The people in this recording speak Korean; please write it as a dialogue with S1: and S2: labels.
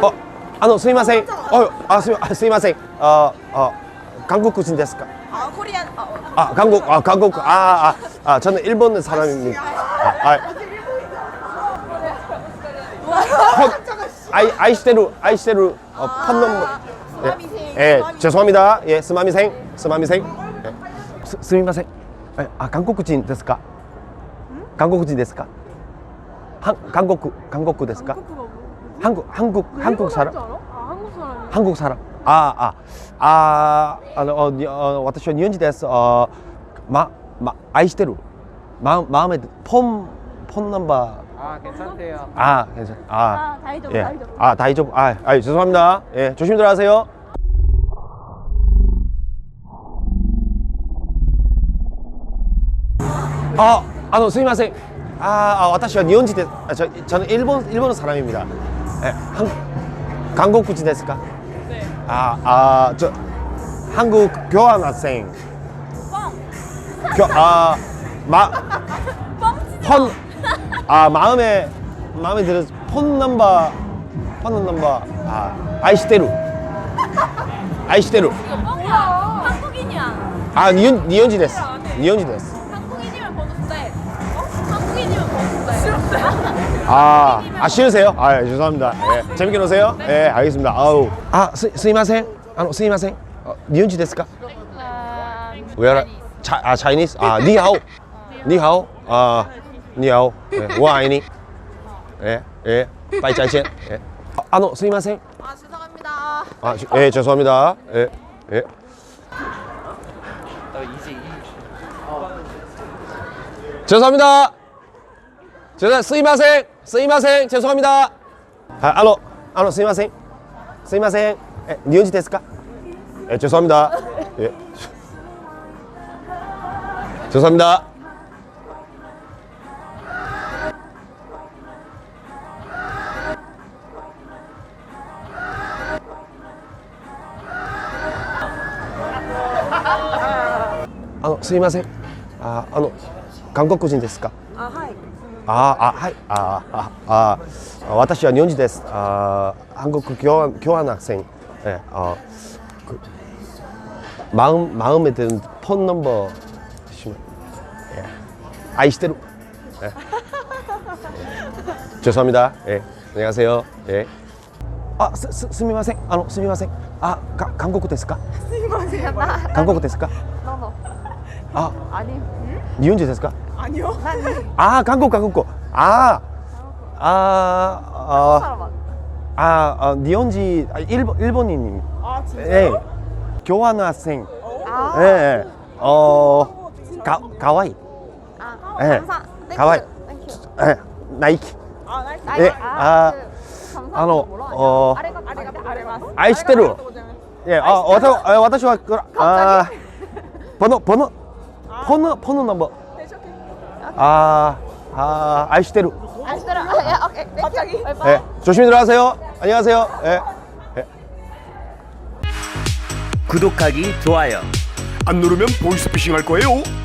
S1: すいません。すいません。韓国人ですか?
S2: 코리안.
S1: 한국. 저는 일본 사람입니다. 아이시테루 폰 넘버. 예, 죄송합니다. 예, 스마미생. 예. 스미마생. 한국인 ですか? 한국인 ですか? 한국 ですか? 한국 사람? 한국 사람. 私は日本人です。愛してる。마음에 폰 넘버.
S3: 괜찮대요.
S1: 괜찮.
S2: 다이조부.
S1: 예. 다이조부. 죄송합니다. 예, 조심히 들어가세요. 스미마생. 私は日本人です。저는 일본 사람입니다. 예, 한국인 ですか?
S2: 네.
S1: 저 한국 교환학생. 마음에 들어서 폰 넘버. 아이시테루.
S2: 이거 뻥이야. 한국인이야.
S1: 니혼지 됐어.
S2: 한국인이면 번호 돼. 한국인이면 번호 돼.
S1: 싫으세요? 죄송합니다. 예, 재밌게 노세요. 예, 알겠습니다. 스미마생. 스미마생. 니혼지 됐을까? Where? Chinese. 니하오. 니하오. 예, 我爱你. 예. 拜再见. 예. 스미마생.
S2: 죄송합니다.
S1: 예, 죄송합니다. 예. 죄송합니다. 스미마생. 죄송합니다. 스미마생. 니혼지ですか? 예, 죄송합니다. 예. 죄송합니다. 스미마생. 한국인 ですか?
S2: はい。
S1: 私は日本人です。한국 교환학생. 예, 마음에 드는 폰 넘버 주시면. 예. 아이시테루. 예. 죄송합니다. 예. 안녕하세요. 예. 스미마생. 스미마생. 한국 ですか? 한국 ですか?
S2: 아니.
S1: 니혼지 ですか?
S2: 아니요.
S1: 한국. 니혼지 일본인.
S2: 진짜요?
S1: 예. 교환학생. 예. 가와이. 예. 가와이. 예. 나이키.
S2: 나이키.
S1: 예. 아이시테루. 예. 私は번호 넘버. 아이시테루.
S2: 오케이. 갑자기?
S1: 예. 조심히 들어가세요. 안녕하세요. 예.
S4: 구독하기, 좋아요.
S5: 안 누르면 보이스피싱 할 거예요.